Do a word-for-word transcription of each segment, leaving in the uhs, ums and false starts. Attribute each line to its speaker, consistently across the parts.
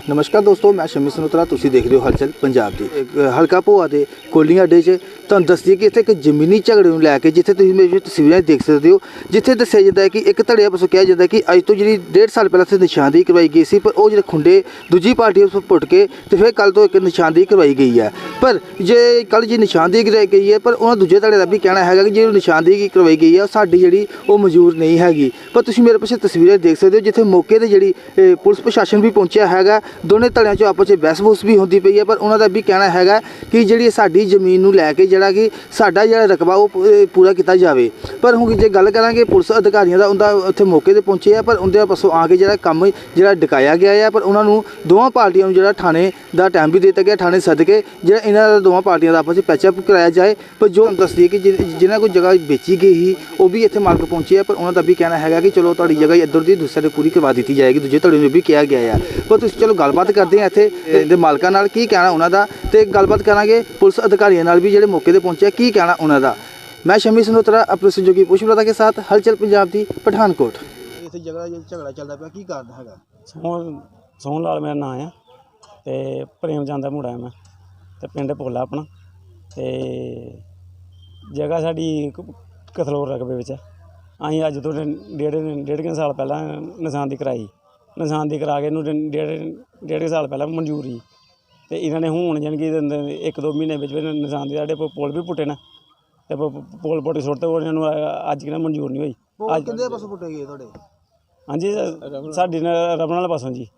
Speaker 1: नमस्कार दोस्तों, मैं शमी सनोत्रा, तुसीं देख रहे हो हलचल पंजाब दी। हल्का भोआ के कोलियां अड्डे च तुहानूं दस दईए कि इत्थे एक जमीनी झगड़े नूं लैके जिथे तुसीं मेरी तस्वीरां देख सकते हो, जिथे दस्सिया जाता है कि एक धड़े पासों कहा जाता है कि अज तो जी डेढ़ साल पहले इत्थे निशानदेही करवाई गई सी, पर वो जो खुंडे दूजी पार्टी उस पुट के तो फिर कल तो एक निशानदेही करवाई गई है। पर जे कल जी निशानदेही करवाई गई है, पर उन्होंने दूजे धड़े का भी कहना है कि जो निशानदेही करवाई गई है साडी जी वो मंजूर नहीं हैगी। पर तुसीं मेरे पास तस्वीरें देख सकते हो जिथे मौके पर जी पुलिस प्रशासन भी पहुंचा है, दोनों धड़ियां चो आपस में बहस बहस भी होती पई है। पर उन्होंने भी कहना है कि जी साडी जमीन नूं लैके जिहड़ा कि साडा जिहड़ा रकबा वो पूरा किया जाए। पर हुण जे गल करांगे पुलिस अधिकारियों का, उनका उत्थे मौके पर पहुंचे है, पर उनके पासों आके जिहड़ा काम जिहड़ा डकाया गया है। पर उन्होंने दोवां पार्टियों नूं जिहड़ा थाने का टाइम भी दिता गया, थाने सद के जिहड़ा इन्हां दोवां पार्टियों का आपस में पैचअप कराया जाए। पर जो दस दिए कि जिन्हां कोई जगह बेची गई ही वो भी इत्थे मालक पहुंचे है, पर उन्होंने भी कहना है कि चलो तुहाडी जगह इधर दी दूसरे पूरी करवा दी जाएगी, दूजे धड़े नूं भी कहा गया है। पर तुसीं चलो गलबात करते हैं इत्थे दे मालकां नाल की कहना उन्हां दा, ते गलबात करांगे पुलिस अधिकारियों नाल भी जिहड़े मौके ते पहुंचे की कहना उन्हां दा। मैं शमी सनोत्रा अपने सहयोगी पुष्पलता के साथ हलचल पंजाब दी पठानकोट। इत्थे जगह झगड़ा चलदा पिया की कारण हैगा?
Speaker 2: सोहन सोहन लाल मेरा नाम है ते प्रेम चंद दा मुंडा है मैं, ते पिंड पोला अपना, ते जगह साडी कथलोर रकबे विच है। असीं अज तो डेढ़ डेढ़ के साल पहला निशानदेही कराई, निशानदेही करा के डेढ़ डेढ़ के साल पहला मंजूर ही, ते इन्होंने हुण जानि कि एक दो महीने विच निशानदेही साढ़े पुल भी पुट्टे ने, ते पुल पुट्ट सुट्ट इन्होंने अज कि मंजूर नहीं होई।
Speaker 1: अज किहदे पासों पुट्टे गए तुहाडे? हाँ जी,
Speaker 2: साडी रमन वाले पासों जी,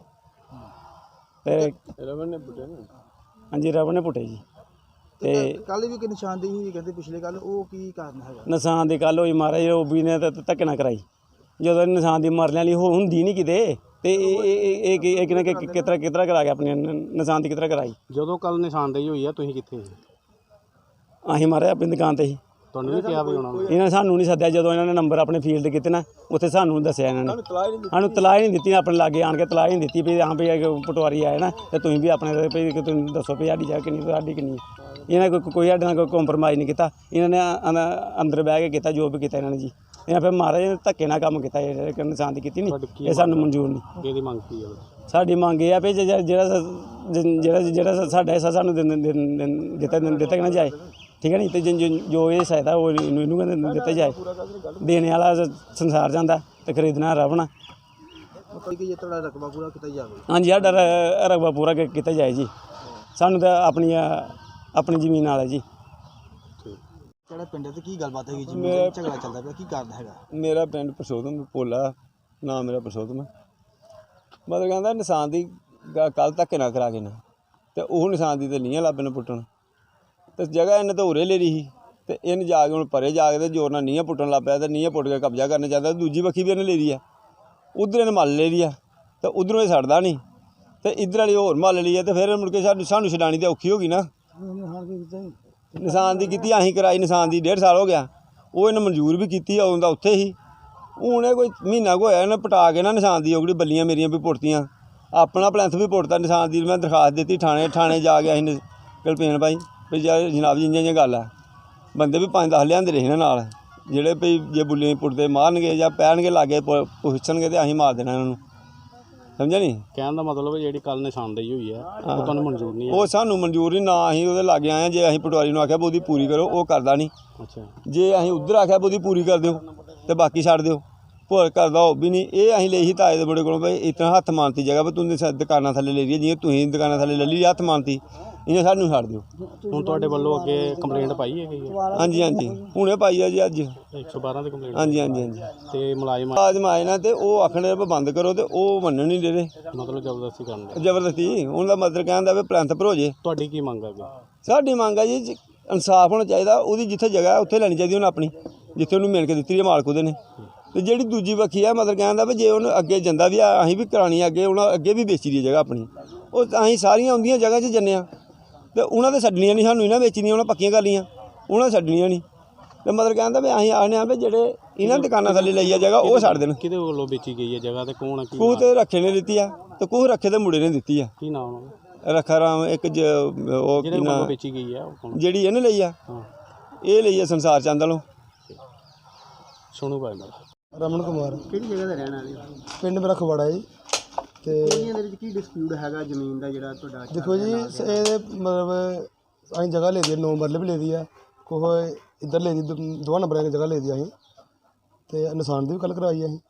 Speaker 2: ते
Speaker 1: रमन ने पुट्टे ने?
Speaker 2: हाँ जी, रमन ने पुट्टे जी। ते
Speaker 1: कल भी निशानदेही कहते पिछले कल वो की कारण है?
Speaker 2: निशानदेही कल होई महाराज ओ बी ने धक्के ना कराई, जो निशानदेही मरने वाली होंदी नहीं किते, ते कितरा कितरा करा के अपनी निशानदेही कितरा कराई।
Speaker 3: ਜਦੋਂ ਕੱਲ ਨਿਸ਼ਾਨदेही ਹੋਈ ਆ ਤੁਸੀਂ ਕਿੱਥੇ ਸੀ?
Speaker 2: ਅਸੀਂ महाराज अपनी दुकान ते ही।
Speaker 3: ਤੁਹਾਨੂੰ ਵੀ ਕਿਹਾ ਵੀ ਹੋਣਾ?
Speaker 2: इन्होंने सानू नहीं सद्या, जो इन्होंने नंबर अपने फील्ड किते ना उत्थे सानू दस्सिया, इन्होंने सानू तलाह ही नहीं दी, अपने लागे आन के तलाह ही नहीं दी भी हाँ भाई पटवारी आए ना, तो तुम भी अपने भाई तुम दसो भी साडी जगह किन्नी साडी किन्नी। इन्हें कोई कोई साडे नाल कोई कॉम्प्रोमाइज़ नहीं किया, इन्होंने अंदर बह के किया जो भी किया इन्होंने जी। इन्हें फिर महाराज धक्के नाल काम किया, निशानदेही की नहीं, ये सानू मंजूर नहीं।
Speaker 3: ਇਹਦੀ ਮੰਗ ਕੀ ਹੈ?
Speaker 2: साडी मंग ये है भी ਜਿਹੜਾ ਜਿਹੜਾ ਜਿਹੜਾ ਸਾਡਾ हिस्सा सानू दिता दिता ना जाए, ठीक है नहीं, तो जो ये सहायता वो इनू दिता जाए। देने वाला संसार जाता तो खरीदना रवना।
Speaker 1: रकबा पूरा किया जाए?
Speaker 2: हाँ जी, साडा रकबा पूरा किया जाए जी, सानू तो अपनी अपनी जमीन वाला जी।
Speaker 1: पिंड ते की गलबात है जी, झगड़ा चलता पिया की कारण हैगा?
Speaker 4: मेरा पिंड परसोतम पोला, नाम मेरा परसोतम है। मतलब कहता निशानदेही कल धक्के ना करा के ना, तो वह निशानदेही तो नहीं लब्बे ने पुट्टन, तो जगह इन्हें तो उरे ले ली ही, तो इन जाके हूँ परे जाके जोर ना नींह पुट्टन लग पाया, तो नींह पुट के कब्जा करना चाहता, दूजी बखी भी इन्हें ले ली है, उधर इन्हें मल ले लिया, तो उधरों ये सड़दा नहीं, तो इधर वाली होर मल ली है, तो फिर मुड़ के सानू छडानी तो औखी होगी ना। निशानदेही की असीं कराई, निशानदेही डेढ़ साल हो गया, वो इन्हें मंजूर भी की, उनका उत्थे ही हूँ कोई महीना को होया, इन्हें पटा के ना निशानदेही ओकड़ी बल्लियां मेरियां भी पुट्टियां, अपना प्लैंथ भी पुट्टता, निशानदेही मैं दरखास्त दी थाने थाने जाके असीं कलपेन पाई भी जनाब जी इ'यां इ'यां गल है। बंदे भी पंज दस लिआंदे रहे नाल, जेह्ड़े भई जे बुल्लियां पुट्टदे मारनगे जां पैणगे लागे पुच्छणगे ते असीं मार देना इन्हां नूं, समझे नहीं?
Speaker 3: ਕਹਿਣ ਦਾ ਮਤਲਬ ਜਿਹੜੀ ਕੱਲ ਨਿਸ਼ਾਨदेही ਹੋਈ ਹੈ ਉਹ ਤੁਹਾਨੂੰ ਮਨਜ਼ੂਰ नहीं है?
Speaker 4: ਉਹ ਸਾਨੂੰ ਮਨਜ਼ੂਰ ਨਹੀਂ, ਨਾ ਅਸੀਂ ਉਹਦੇ ਲਾਗੇ ਆਏ, ਜੇ ਅਸੀਂ ਪਟਵਾਰੀ ਨੂੰ ਆਖਿਆ ਵੀ ਉਹਦੀ ਪੂਰੀ ਕਰੋ ਉਹ ਕਰਦਾ ਨਹੀਂ।
Speaker 3: ਅੱਛਾ,
Speaker 4: ਜੇ ਅਸੀਂ ਉੱਧਰ ਆਖਿਆ ਵੀ ਉਹਦੀ ਪੂਰੀ ਕਰ ਦਿਓ ਤੇ ਬਾਕੀ ਛੱਡ ਦਿਓ, ਭੋਰ ਕਰਦਾ ਉਹ ਵੀ ਨਹੀਂ। ਇਹ ਅਸੀਂ ਲਈ ਸੀ ਤਾਏ ਦੇ ਮੁੰਡੇ ਕੋਲੋਂ ਵੀ ਇਤਨਾ ਹੱਥ ਮਾਨਤੀ ਜਗ੍ਹਾ ਵੀ ਤੂੰ ਦੁਕਾਨਾਂ ਥੱਲੇ ਲੈ ਰਹੀ ਹੈ, ਜਿਵੇਂ ਤੁਸੀਂ ਦੁਕਾਨਾਂ ਥੱਲੇ ਲੈ ਲਈ ਹੱਥ ਮਾਨਤੀ, ਇਹਨੇ ਸਾਨੂੰ ਛੱਡ ਦਿਓ।
Speaker 3: ਹੁਣ ਤੁਹਾਡੇ ਵੱਲੋਂ ਅੱਗੇ ਕੰਪਲੇਂਟ ਪਾਈ ਹੈ ਗਈ?
Speaker 4: ਹਾਂਜੀ ਹਾਂਜੀ, ਹੁਣੇ ਪਾਈ ਆ ਜੀ ਅੱਜ
Speaker 3: ਇੱਕ ਸੌ ਬਾਰਾਂ ਦੀ ਕੰਪਲੇਂਟ?
Speaker 4: ਹਾਂਜੀ ਹਾਂਜੀ ਹਾਂਜੀ।
Speaker 3: ਤੇ ਮੁਲਾਜ਼ਮ
Speaker 4: ਮੁਲਾਜ਼ਮ ਆਏ ਨਾ ਤੇ ਉਹ ਆਖਣੇ ਵੀ ਬੰਦ ਕਰੋ, ਤੇ ਉਹ ਮੰਨਣ ਨਹੀਂ ਦੇ ਰਹੇ,
Speaker 3: ਮਤਲਬ ਜ਼ਬਰਦਸਤੀ ਕਰਨ ਦੇ?
Speaker 4: ਜ਼ਬਰਦਸਤੀ। ਉਹਨਾਂ ਦਾ ਮਤਲਬ ਕਹਿੰਦਾ ਵੀ ਪਲੈਂਥ ਭਰੋ ਜੇ।
Speaker 3: ਤੁਹਾਡੀ ਕੀ ਮੰਗ ਹੈ?
Speaker 4: ਸਾਡੀ ਮੰਗ ਹੈ ਜੀ ਇਨਸਾਫ ਹੋਣਾ ਚਾਹੀਦਾ, ਉਹਦੀ ਜਿੱਥੇ ਜਗ੍ਹਾ ਉੱਥੇ ਲੈਣੀ ਚਾਹੀਦੀ ਉਹਨੂੰ, ਆਪਣੀ ਜਿੱਥੇ ਉਹਨੂੰ ਮਿਲ ਕੇ ਦਿੱਤੀ ਹੈ ਮਾਲਕ ਉਹਦੇ ਨੇ। ਤੇ ਜਿਹੜੀ ਦੂਜੀ ਵੱਖੀ ਆ ਮਤਲਬ ਕਹਿੰਦਾ ਵੀ ਜੇ ਉਹਨੂੰ ਅੱਗੇ ਜਾਂਦਾ ਵੀ ਆ ਅਸੀਂ ਵੀ ਕਰਾਉਣੀ ਅੱਗੇ, ਉਹਨਾਂ ਅੱਗੇ ਵੀ ਵੇਚੀ ਦੀ ਜਗ੍ਹਾ ਆਪਣੀ, ਉਹ ਅਸੀਂ ਸਾਰੀਆਂ ਆਉਂਦੀਆਂ ਜਗ੍ਹਾ 'ਚ ਜੰਨੇ ਆ, ਤੇ ਉਹਨਾਂ ਦੇ ਛੱਡਣੀਆਂ ਨਹੀਂ, ਸਾਨੂੰ ਇਹਨਾਂ ਵੇਚਣੀਆਂ, ਉਹਨਾਂ ਪੱਕੀਆਂ ਕਰ ਲਈਆਂ, ਉਹਨਾਂ ਛੱਡਣੀਆਂ ਨਹੀਂ। ਤੇ ਮਤਲਬ ਕਹਿੰਦਾ ਵੀ ਅਸੀਂ ਆਖਦੇ ਹਾਂ ਵੀ ਜਿਹੜੇ ਇਹਨਾਂ ਦੁਕਾਨਾਂ ਥੱਲੇ ਲਈ ਆ ਜਗ੍ਹਾ ਉਹ ਛੱਡ ਦੇਣ।
Speaker 3: ਕਿਹਦੇ ਵੱਲੋਂ ਵੇਚੀ ਗਈ ਹੈ ਜਗ੍ਹਾ ਤੇ ਕੌਣ?
Speaker 4: ਕੂਹ ਤੇ ਰੱਖੇ ਨੇ ਦਿੱਤੀ ਆ, ਤੇ ਕੂਹ ਰੱਖੇ ਦੇ ਮੁੰਡੇ ਨੇ ਦਿੱਤੀ ਆ।
Speaker 3: ਕੀ ਨਾਮ ਉਹਨਾਂ ਦਾ?
Speaker 4: ਰੱਖਾ ਰਾਮ ਇੱਕ ਉਹ ਕੀ ਨਾਮ
Speaker 3: ਵੇਚੀ ਗਈ ਹੈ
Speaker 4: ਜਿਹੜੀ ਇਹਨੇ ਲਈ ਆ? ਇਹ ਲਈ ਆ ਸੰਸਾਰ ਚੰਦ ਵੱਲੋਂ।
Speaker 3: ਸੁਣੋ ਭਾਈ ਮੇਰਾ
Speaker 1: रमन कुमार।
Speaker 5: ਕਿਹੜੀ ਜਗ੍ਹਾ ਦਾ ਰਹਿਣ ਵਾਲੇ?
Speaker 1: पिंड मेरा खवाड़ा जी।
Speaker 5: ਤੇ
Speaker 6: ਕੋਲੀਆਂ ਦੇ ਵਿੱਚ ਕੀ ਡਿਸਪਿਊਟ ਹੈਗਾ ਜ਼ਮੀਨ ਦਾ ਜਿਹੜਾ ਤੁਹਾਡਾ
Speaker 5: ਦੇਖੋ ਜੀ ਸ- ਇਹਦੇ ਮਤਲਬ ਅਸੀਂ ਜਗ੍ਹਾ ਲਈ ਦੀ ਨੌ ਮਰਲੇ ਵੀ ਲਈ ਦੀ ਆ ਕੋਹ ਇੱਧਰ ਲਈ ਦੀ ਦ- ਦੋਵਾਂ ਨੰਬਰਾਂ ਦੀ ਜਗ੍ਹਾ ਲਈ ਦੀ ਅਸੀਂ ਤੇ ਨਿਸ਼ਾਨਦੇਹੀ ਵੀ ਕੱਲ੍ਹ ਕਰਵਾਈ ਅਸੀਂ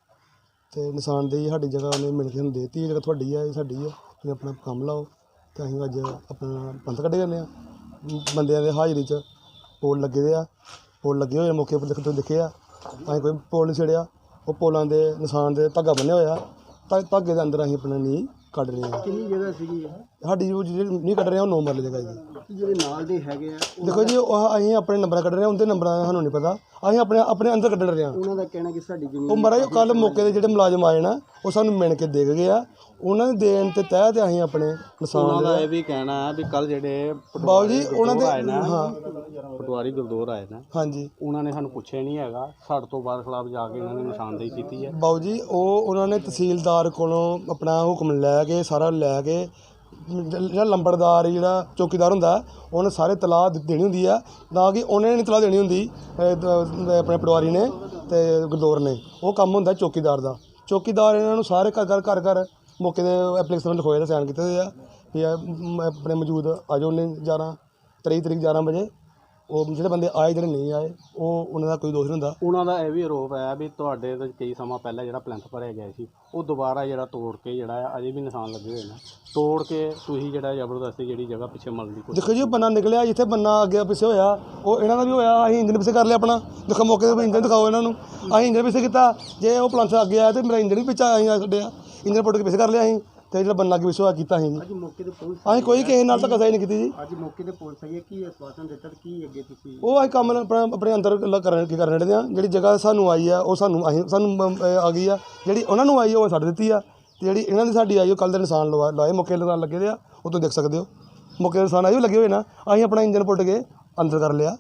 Speaker 5: ਤੇ ਨਿਸ਼ਾਨਦੇਹੀ ਸਾਡੀ ਜਗ੍ਹਾ ਉਹਨੇ ਮਿਲ ਕੇ ਸਾਨੂੰ ਦੇ ਦਿੱਤੀ, ਇਹ ਜਗ੍ਹਾ ਤੁਹਾਡੀ ਆ, ਇਹ ਸਾਡੀ ਆ, ਤੁਸੀਂ ਆਪਣਾ ਕੰਮ ਲਾਓ। ਤੇ ਅਸੀਂ ਅੱਜ ਆਪਣਾ ਪੰਥ ਕੱਢੇ ਜਾਂਦੇ ਆ ਬੰਦਿਆਂ ਦੇ ਹਾਜ਼ਰੀ 'ਚ। ਪੋਲ ਲੱਗੇ ਦੇ ਆ, ਪੋਲ ਲੱਗੇ ਹੋਏ ਆ ਮੌਕੇ ਉੱਪਰ, ਦੇਖ ਤੁਸੀਂ ਦੇਖੇ ਆ। ਅਸੀਂ ਕੋਈ ਪੋਲ ਨਹੀਂ ਛੇੜਿਆ, ਉਹ ਪੋਲਾਂ ਦੇ ਨਿਸ਼ਾਨ ਦੇ ਧਾਗਾ ਬੰਨ੍ਹਿਆ ਹੋਇਆ, ਧਾ ਧਾਗੇ ਦੇ ਅੰਦਰ ਅਸੀਂ ਆਪਣਾ ਨੀਂਹ ਕੱਢ ਰਹੇ ਹਾਂ।
Speaker 6: ਕਿੰਨੀ ਜਗ੍ਹਾ ਸੀਗੀ ਇਹ?
Speaker 5: ਸਾਡੀ ਜੋ ਜਿਹੜੀ ਨੀਂਹ ਕੱਢ ਰਹੇ ਹਾਂ ਉਹ ਨੌ ਮਰਲੇ ਜਗ੍ਹਾ ਜੀ।
Speaker 6: ਜਿਹੜੇ ਨਾਲ ਦੇ ਹੈਗੇ ਆ ਉਹ-
Speaker 5: ਦੇਖੋ ਜੀ ਉਹ ਅਸੀਂ ਆਪਣੇ ਨੰਬਰਾਂ ਕੱਢ ਰਹੇ ਹਾਂ, ਉਹਦੇ ਨੰਬਰਾਂ ਦਾ ਸਾਨੂੰ ਨਹੀਂ ਪਤਾ, ਅਸੀਂ ਆਪਣੇ ਆਪਣੇ ਅੰਦਰ ਕੱਢ ਰਹੇ ਹਾਂ।
Speaker 6: ਉਹਨਾਂ ਦਾ ਕਹਿਣਾ ਕਿ ਸਾਡੀ ਜ਼ਮੀਨ
Speaker 5: ਉਹ ਮਹਾਰਾਜ ਕੱਲ੍ਹ ਮੌਕੇ ਦੇ ਜਿਹੜੇ ਮੁਲਾਜ਼ਮ ਆਏ ਨਾ ਉਹ ਸਾਨੂੰ ਮਿਣ ਕੇ ਦੇ ਗਏ ਆ, ਉਹਨਾਂ ਦੇ ਦੇਣ ਤੇ ਤਹਿਤ ਅਸੀਂ ਆਪਣੇ ਨਿਸ਼ਾਨ
Speaker 3: ਉਹਨਾਂ ਦਾ ਇਹ ਵੀ ਕਹਿਣਾ ਹੈ ਵੀ ਕੱਲ ਜਿਹੜੇ
Speaker 5: ਬਾਬੂ ਜੀ ਉਹਨਾਂ ਦੇ
Speaker 3: ਆਏ ਨਾ
Speaker 5: ਹਾਂ
Speaker 3: ਪਟਵਾਰੀ ਗੁਰਦੌਰ ਆਏ ਨਾ,
Speaker 5: ਹਾਂਜੀ
Speaker 3: ਉਹਨਾਂ ਨੇ ਸਾਨੂੰ ਪੁੱਛਿਆ ਨਹੀਂ ਹੈਗਾ, ਸਾਡੇ ਤੋਂ ਬਾਅਦ ਖਿਲਾਫ ਜਾ ਕੇ ਇਹਨਾਂ ਨੇ ਨਿਸ਼ਾਨਦੇਹੀ ਕੀਤੀ ਹੈ।
Speaker 5: ਬਾਬੂ ਜੀ ਉਹ ਉਹਨਾਂ ਨੇ ਤਹਿਸੀਲਦਾਰ ਕੋਲੋਂ ਆਪਣਾ ਹੁਕਮ ਲੈ ਕੇ ਸਾਰਾ ਲੈ ਕੇ ਜਿਹੜਾ ਲੰਬੜਦਾਰ ਜਿਹੜਾ ਚੌਕੀਦਾਰ ਹੁੰਦਾ ਉਹਨੇ ਸਾਰੇ ਤਲਾਹ ਦੇ- ਦੇਣੀ ਹੁੰਦੀ ਆ, ਨਾ ਕਿ ਉਹਨੇ ਨਹੀਂ ਤਲਾਹ ਦੇਣੀ ਹੁੰਦੀ ਅਹ ਦ- ਆਪਣੇ ਪਟਵਾਰੀ ਨੇ ਤੇ ਗੁਰਦੌਰ ਨੇ। ਉਹ ਕੰਮ ਹੁੰਦਾ ਚੌਕੀਦਾਰ ਦਾ। ਚੌਕੀਦਾਰ ਇਹਨਾਂ ਨੂੰ ਸਾਰੇ ਘਰ ਘਰ ਘਰ ਘਰ ਮੌਕੇ ਦੇ ਐਪਲੀਕੇਸ਼ਨ ਲਿਖੋਏ ਤੇ ਸਾਈਨ ਕੀਤੇ ਹੋਏ ਆ ਵੀ ਇਹ ਮ- ਆਪਣੇ ਮੌਜੂਦ ਆ ਜਾਓ ਨੇ ਗਿਆਰਾਂ ਤੇਈ ਤਰੀਕ ਗਿਆਰਾਂ ਵਜੇ। ਉਹ ਜਿਹੜੇ ਬੰਦੇ ਆਏ ਜਿਹੜੇ ਨਹੀਂ ਆਏ ਉਹ ਉਹਨਾਂ ਦਾ ਕੋਈ ਦੋਸ਼ ਨਹੀਂ ਹੁੰਦਾ।
Speaker 3: ਉਹਨਾਂ ਦਾ ਇਹ ਵੀ ਆਰੋਪ ਹੈ ਵੀ ਤੁਹਾਡੇ ਤੋਂ ਕਈ ਸਮਾਂ ਪਹਿਲਾਂ ਜਿਹੜਾ ਪਲੈਂਥ ਭਰਿਆ ਗਿਆ ਸੀ ਉਹ ਦੁਬਾਰਾ ਜਿਹੜਾ ਤੋੜ ਕੇ ਜਿਹੜਾ ਆ ਅਜੇ ਵੀ ਨਿਸ਼ਾਨ ਲੱਗੇ ਹੋਏ ਨੇ, ਤੋੜ ਕੇ ਤੁਸੀਂ ਜਿਹੜਾ ਜ਼ਬਰਦਸਤੀ ਜਿਹੜੀ ਜਗ੍ਹਾ ਪਿੱਛੇ ਮਲਣ ਦੀ ਕੋਸ਼ਿਸ਼।
Speaker 5: ਦੇਖੋ ਜੀ ਉਹ ਬੰਨਾ ਨਿਕਲਿਆ ਜਿੱਥੇ ਬੰਨਾ ਅੱਗੇ ਪਿੱਛੇ ਹੋਇਆ ਉਹ ਇਹਨਾਂ ਦਾ ਵੀ ਹੋਇਆ, ਅਸੀਂ ਇੰਜਨ ਪਿੱਛੇ ਕਰ ਲਿਆ ਆਪਣਾ। ਦੇਖੋ ਮੌਕੇ ਤੇ ਇੰਜਨ ਦਿਖਾਓ ਇਹਨਾਂ ਨੂੰ, ਅਸੀਂ ਇੰਜਨ ਪਿੱਛੇ ਕੀਤਾ। ਜੇ ਉਹ ਪਲੰਥ ਅੱਗੇ ਆਇਆ ਤੇ ਮੇਰਾ ਇੰਜਨ ਵੀ ਪਿੱਛੇ ਅਸੀਂ ਆ ਛੱਡਿਆ, ਇੰਜਨ ਪੁੱਟ ਕੇ ਪਿੱਛੇ ਕਰ ਲਿਆ ਅਸੀਂ ਤੇ ਜਿਹੜਾ ਬੰਨਾ ਅੱਗੇ ਪਿੱਛੇ ਹੋਇਆ ਕੀਤਾ ਅਸੀਂ
Speaker 6: ਅੱਜ ਮੌਕੇ ਤੇ ਪੁਲਿਸ
Speaker 5: ਅਸੀਂ ਕੋਈ ਕਿਸੇ ਨਾਲ ਧੱਕਾ ਸਹੀ ਨਹੀਂ ਕੀਤੀ ਜੀ।
Speaker 6: ਅੱਜ ਮੌਕੇ ਤੇ ਪੁਲਿਸ ਆਈ ਹੈ, ਕੀ ਆਸ਼ਵਾਸਨ ਦਿੱਤਾ ਤੇ ਕੀ ਅੱਗੇ ਤੁਸੀਂ
Speaker 5: ਉਹ ਅਸੀਂ ਕੰਮ ਆਪਣਾ ਆਪਣੇ ਅੰਦਰ ਲ- ਕਰਨ ਕੀ ਕਰਨ ਰਹੇ ਆ। ਜਿਹੜੀ ਜਗ੍ਹਾ ਸਾਨੂੰ ਆਈ ਆ ਉਹ ਸਾਨੂੰ ਅਸੀਂ ਸਾਨੂੰ ਮ- ਅਹ ਆ ਗਈ ਆ, ਜਿਹੜੀ ਉਹਨਾਂ ਨੂੰ ਆਈ ਆ ਉਹ ਛੱਡ ਦਿੱਤੀ ਆ, ਤੇ ਜਿਹੜੀ ਇਹਨਾਂ ਦੀ ਸਾਡੀ ਆਈ ਉਹ ਕੱਲ੍ਹ ਦੇ ਨਿਸ਼ਾਨ ਲਵਾ ਲਾਏ ਮੌਕੇ ਲਗਾਉਣ ਲੱਗੇ ਦੇ ਆ। ਉਹ ਤੋਂ ਦੇਖ ਸਕਦੇ ਹੋ ਮੌਕੇ ਦੇ ਨਿਸ਼ਾਨ ਆਏ ਉਹ ਲੱਗੇ ਹੋਏ ਨਾ। ਅਸੀਂ ਆਪਣਾ ਇੰਜਨ ਪੁੱਟ ਕੇ ਅੰਦਰ ਕਰ ਲਿਆ,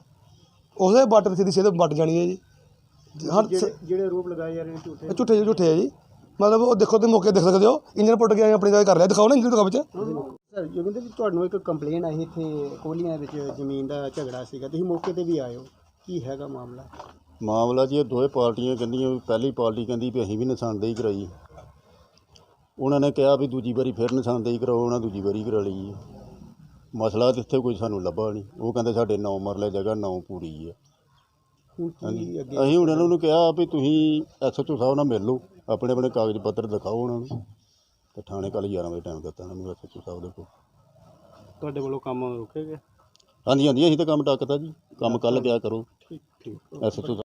Speaker 5: ਉਸੇ ਬੱਟ ਸਿੱਧੀ ਸਿੱਧੇ ਬੱਟ ਜਾਣੀ ਹੈ ਜੀ। ਹਰ
Speaker 6: ਜਿਹੜੇ ਜਿਹੜੇ ਆਰੋਪ ਲਗਾਏ ਜਾ ਰਹੇ ਨੇ ਝੂਠੇ?
Speaker 5: ਇਹ ਝੂਠੇ ਝੂਠੇ ਹੈ ਜੀ, ਮਤਲਬ ਉਹ ਦੇਖੋ ਤੇ ਮੌਕੇ ਦੇਖ ਸਕਦੇ ਹੋ ਇੰਜਨ ਪੁੱਟ ਕੇ ਅਸੀਂ ਆਪਣੀ ਜਗ੍ਹਾ ਕਰ ਲਿਆ। ਦਿਖਾਓ ਨਾ ਇੰਜਨ ਦਿਖਾਓ ਵਿੱਚ।
Speaker 6: ਸਰ ਜੋਗਿੰਦਰ ਜੀ ਤੁਹਾਨੂੰ ਇੱਕ ਕੰਪਲੇਨ ਆਈ ਇੱਥੇ ਕੋਲੀਆਂ ਵਿੱਚ ਜ਼ਮੀਨ ਦਾ ਝਗੜਾ ਸੀਗਾ, ਤੁਸੀਂ ਮੌਕੇ ਤੇ ਵੀ ਆਏ ਹੋ, ਕੀ ਹੈਗਾ ਮਾਮਲਾ?
Speaker 7: ਮਾਮਲਾ ਜੀ ਇਹ ਦੋਵੇਂ ਪਾਰਟੀਆਂ ਕਹਿੰਦੀਆਂ ਵੀ ਪਹਿਲੀ ਪਾਰਟੀ ਕਹਿੰਦੀ ਵੀ ਅਸੀਂ ਵੀ ਨਿਸ਼ਾਨਦੇਹੀ ਕਰਾਈ, ਉਹਨਾਂ ਨੇ ਕਿਹਾ ਵੀ ਦੂਜੀ ਵਾਰੀ ਫਿਰ ਨਿਸ਼ਾਨਦੇਹੀ ਕਰਾਓ, ਉਹਨਾਂ ਦੂਜੀ ਵਾਰੀ ਕਰਾ ਲਈ ਹੈ। ਮਸਲਾ ਤਾਂ ਇੱਥੇ ਕੋਈ ਸਾਨੂੰ ਲੱਭਾ ਨਹੀਂ। ਉਹ ਕਹਿੰਦੇ ਸਾਡੇ ਨੌ ਮਰਲੇ ਜਗ੍ਹਾ ਨੌ ਪੂਰੀ ਹੈ।
Speaker 6: ਹੁਣ ਕੀ ਅੱਗੇ?
Speaker 7: ਅਸੀਂ ਹੁਣ ਇਹਨਾਂ ਨੂੰ ਕਿਹਾ ਵੀ ਤੁਸੀਂ ਐਸ ਐਚ ਓ ਸਾਹਿਬ ਨਾਲ ਮਿਲ ਲਓ, ਆਪਣੇ ਆਪਣੇ ਕਾਗਜ਼ ਪੱਤਰ ਦਿਖਾਓ ਉਹਨਾਂ ਨੂੰ, ਤੇ ਥਾਣੇ ਕੱਲ੍ਹ ਗਿਆਰਾਂ ਵਜੇ ਟਾਈਮ ਦਿੱਤਾ ਇਹਨਾਂ ਨੂੰ ਐਸ ਐਚ ਓ ਸਾਹਿਬ ਦੇ ਕੋਲ।
Speaker 3: ਤੁਹਾਡੇ ਵੱਲੋਂ ਕੰਮ ਰੁਕੇ ਗਏ?
Speaker 7: ਹਾਂਜੀ ਹਾਂਜੀ ਅਸੀਂ ਤਾਂ ਕੰਮ ਟੱਕਤਾ ਜੀ, ਕੰਮ ਕੱਲ੍ਹ ਕਿਆ ਕਰੋ ਐਸ ਐਚ ਓ